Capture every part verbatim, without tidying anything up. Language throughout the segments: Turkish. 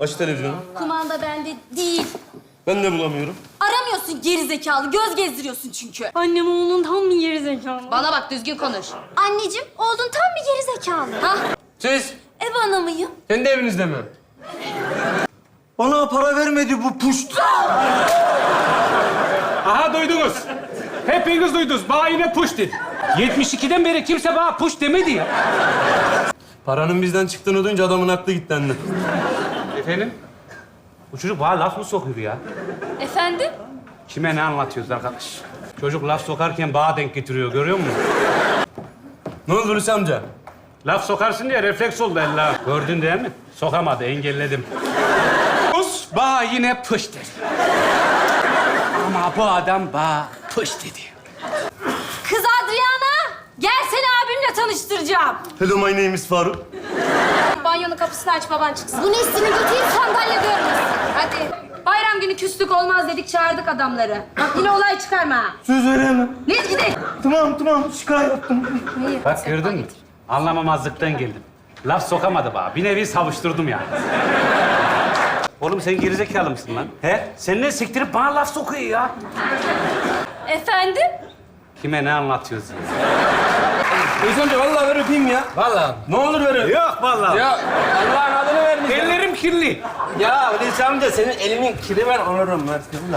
Aç televizyonu. Kumanda bende değil. Ben de bulamıyorum. Aramıyorsun geri zekalı. Göz gezdiriyorsun çünkü. Annem oğlun tam bir geri zekalı. Bana bak düzgün konuş. Anneciğim oğlun tam bir geri zekalı. Ha? Siz Ev hanımıyım. kendi evinizde mi? Bana para vermedi bu puşt. Aha duydunuz. Hepiniz duydunuz. Bana yine push dedi. yetmiş ikiden beri kimse bana push demedi ya. Paranın bizden çıktığını duyunca adamın aklı gitti anne. Efendim? Bu çocuk bana laf mı sokuyor ya? Efendim? Kime ne anlatıyoruz arkadaş? Çocuk laf sokarken bana denk getiriyor, görüyor musun? Ne oldu Hulusi amca? Laf sokarsın diye refleks oldu ella. Gördün değil mi? Sokamadı, engelledim. Us bana yine push dedi. Ama bu adam bana push dedi. Kız Adriana. Gel seni abimle tanıştıracağım. Hello my name is Faruk. Banyonun kapısını aç baban çıksın. Bu Nesrin'i götüreyim sandalye görmesin. Hadi. Bayram günü küslük olmaz dedik çağırdık adamları. Bak yine olay çıkarma. ha. Söz veremem. Ne gidelim? Tamam tamam şikayet ettim. Hayır. Bak gördün mü? Anlamamazlıktan geldim. Laf sokamadı bana. Bir nevi savuşturdum yani. Oğlum sen gerizekalı mısın lan? He? Sen ne siktirip bana laf sokuyor ya? Efendim? Kime ne anlatıyorsun? Hulusi amca vallahi ver öpeyim ya. Vallahi. Ne olur ver öp. Yok vallahi. Ya Allah'ın adını vermeyeceğim. Ellerim kirli. Ya Hulusi amca senin elinin kiri ben onurum Mert'im da.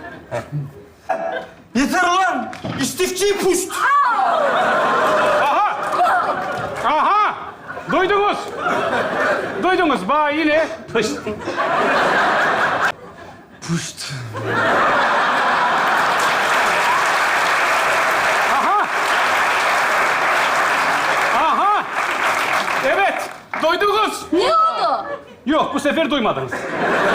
Yeter lan. İstifçi puşt. Aha! Aha! Duydunuz. Duydunuz. Bana yine pışt. Puşt. Aha! Aha! Evet. Duydunuz. Ne oldu? Yok bu sefer duymadınız.